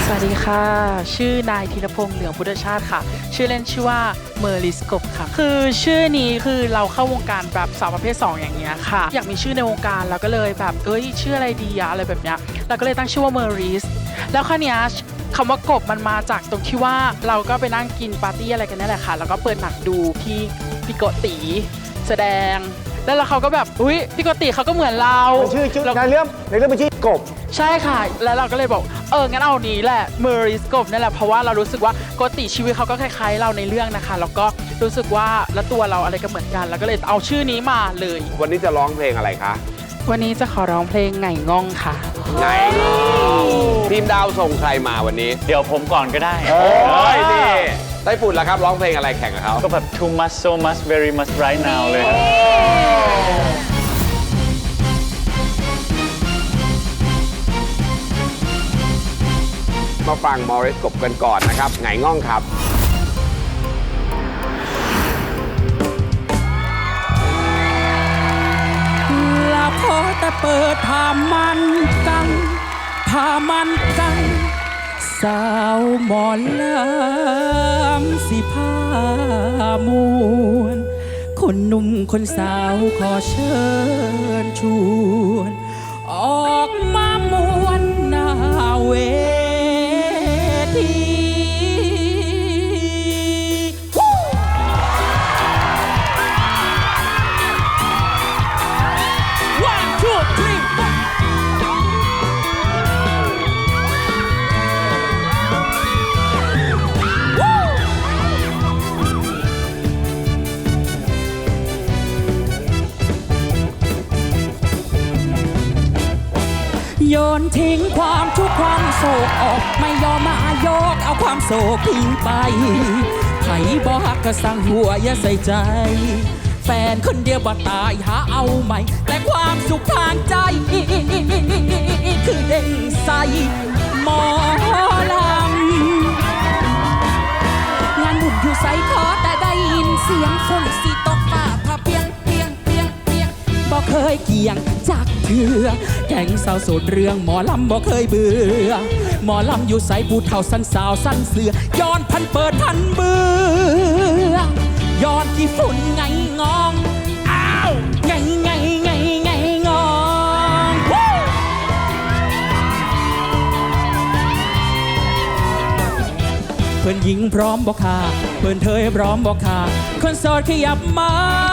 สวัสดีค่ะชื่อนายธีรพงษ์เหลืองพุทธชาติค่ะชื่อเล่นชื่อว่าเมอร์ลิสกบค่ะคือชื่อนี้คือเราเข้าวงการแบบสาวประเภท2อย่างเงี้ยค่ะอยากมีชื่อในวงการเราก็เลยแบบชื่ออะไรดีอะอะไรแบบเนี้ยเราก็เลยตั้งชื่อว่าเมอร์ลิสแล้วคราวเนี้ยคำว่ากบมันมาจากตรงที่ว่าเราก็ไปนั่งกินปาร์ตี้อะไรกันนี่แหละค่ะแล้วก็เปิดหนังดูพี่โกติแสดงแล้วเขาก็แบบพี่โกติเขาก็เหมือนเราชื่อในเรื่องเป็นชื่อกบใช่ค่ะแล้วเราก็เลยบอกงั้นเอานี้แหละเมอริสกบนี่แหละเพราะว่าเรารู้สึกว่าโกติชีวิตเขาก็คล้ายๆเราในเรื่องนะคะแล้วก็รู้สึกว่าแล้วตัวเราอะไรก็เหมือนกันแล้วก็เลยเอาชื่อนี้มาเลยวันนี้จะร้องเพลงอะไรคะวันนี้จะขอร้องเพลงไงง่องค่ะไงทีมดาวส่งใครมาวันนี้เดี๋ยวผมก่อนก็ได้นี่ไต้ฝุ่นล่ะครับร้องเพลงอะไรแข่งกับเขาก็แบบ too much so much very much right now เลยมาฟังมอริสกบกันก่อนนะครับไงง่องครับละพอแต่เปิดผ้ามันกัสาวหมอนลำสิผ้ามวนคนหนุ่มคนสาวขอเชิญชวนออกมามวนหน้าเวที One, two, three, four. โยนทิ้งความทุกข์ความโศกออกไม่ยอมมายกเอาความโศกทิ้งไปไผบ่ฮักก็สั่งหัวอย่าใส่ใจแฟนคนเดียวบ่ตายหาเอาใหม่แต่ความสุขทางใจคือเด้งใสหมอลำงานบุญอยู่ใส่ขอแต่ได้ยินเสียงฝนสิตกฟ้าผ่าเปียงบ่เคยเกี่ยงจากเถื่อแข่งสาวโสดเรื่องหมอลำบ่เคยเบื่อหมอลำอยู่ใส่ผู้เฒ่าสั้นสาวสั้นเสือย้อนพันเปิดพันเบื่อย้อนที่ฝุ่นไงงองอ้าวไงงองเพื่อนหญิงพร้อมบ่ค่ะเพื่อนเธอพร้อมบ่ค่ะคนโสดขยับมา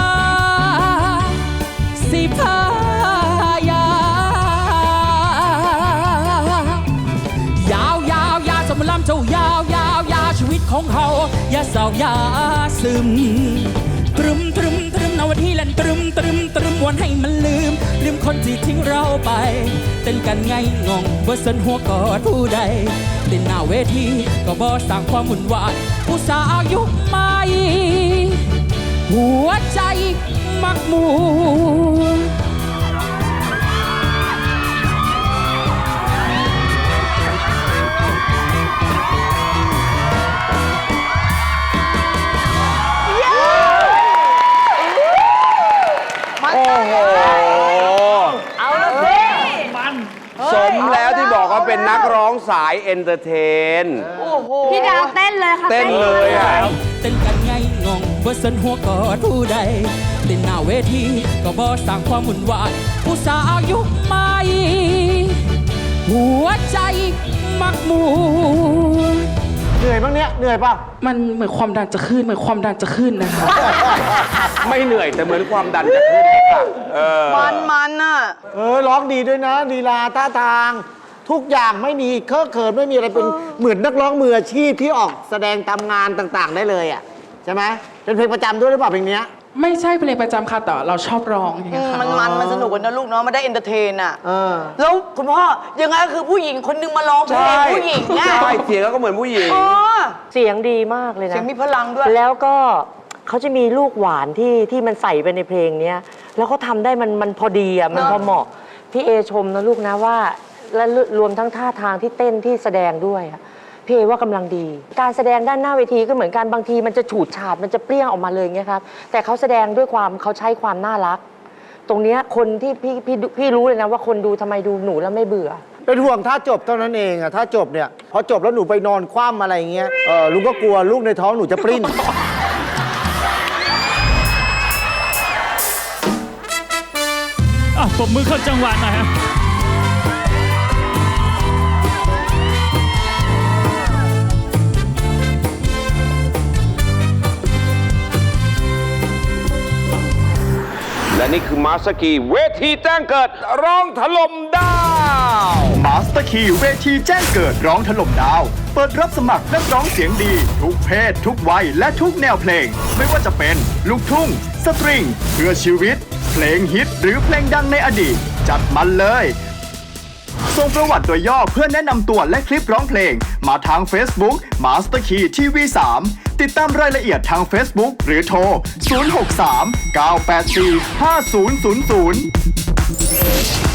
สิพายายาวสมลำเจ้ายาวชีวิตของเขาอย่าเศร้าอย่าซึมตรึมนวันที่เล่นตรึมวันให้มันลืมคนที่ทิ้งเราไปเต้นกันไงงงบ่สนหัวกอดผู้ใดเต้นหน้าเวทีก็บ่สร้างความวุ่นวายผู้สาวยุคใหม่หัวใจมักมัวสมแล้วที่บอกว่าเป็นนักร้องสายเอนเตอร์เทนพี่ดาวเต้นเลยค่ะเต้นเลยอ่ะเต้นกันไงงงบ่สนหัวกอดผู้ใดเต้นหน้าเวทีก็บ่สร้างความวุ่นวายผู้สาวยุคใหม่หัวใจมักมัวเหนื่อยบ้างเนี่ยเหนื่อยป่ะมันเหมือนความดันจะขึ้นนะคะไม่เหนื่อยแต่เหมือนความดันจะขึ้นมันอ่ะร้องดีด้วยนะลีลาท่าทางทุกอย่างไม่มีเคอะเขินไม่มีอะไรเป็นเหมือนนักร้องมืออาชีพที่ออกแสดงตามงานต่างๆได้เลยอ่ะใช่ไหมเป็นเพลงประจำด้วยหรือเปล่าเพลงนี้ไม่ใช่เพลงประจำค่ะแต่เราชอบร้องอย่างเงี้ยค่ะมันสนุกกันนะลูกเนาะมันได้เอนเตอร์เทนอ่ะแล้วคุณพ่อยังไงคือผู้หญิงคนนึงมาร้องเพลงผู้หญิงเนี่ยใช่เสียงก็เหมือนผู้หญิงเสียงดีมากเลยนะเสียงมีพลังด้วยแล้วก็เขาจะมีลูกหวานที่มันใส่ไปในเพลงนี้แล้วเขาทำได้มันพอดีอ่ะมันพอเหมาะพี่เอชมนะลูกนะว่าและรวมทั้งท่าทางที่เต้นที่แสดงด้วยพี่เอว่ากำลังดีการแสดงด้านหน้าเวทีก็เหมือนกันบางทีมันจะฉูดฉาดมันจะเปรี้ยงออกมาเลยเงี้ยครับแต่เขาแสดงด้วยความเขาใช้ความน่ารักตรงเนี้ยคนที่พี่รู้เลยนะว่าคนดูทำไมดูหนูแล้วไม่เบื่อเป็นห่วงถ้าจบเท่านั้นเองอะถ้าจบเนี่ยพอจบแล้วหนูไปนอนคว่ำอะไรอย่างเงี้ยลุงก็กลัวลูกในท้องหนูจะปริ้นปรบมือเข้าจังหวะหน่อยฮะและนี่คือมาสกีเวทีแจ้งเกิดร้องถล่มดาวมาสเตอร์คีเวทีแจ้งเกิดร้องถล่มดาว เปิดรับสมัครนักร้องเสียงดี ทุกเพศ ทุกวัยและทุกแนวเพลง ไม่ว่าจะเป็นลูกทุ่ง สตริง เพื่อชีวิต เพลงฮิตหรือเพลงดังในอดีต จัดมันเลยส่งประวัติโดยย่อเพื่อแนะนำตัวและคลิปร้องเพลง มาทาง Facebook Master Key TV 3 ติดตามรายละเอียดทาง Facebook หรือโทร 063 984 5000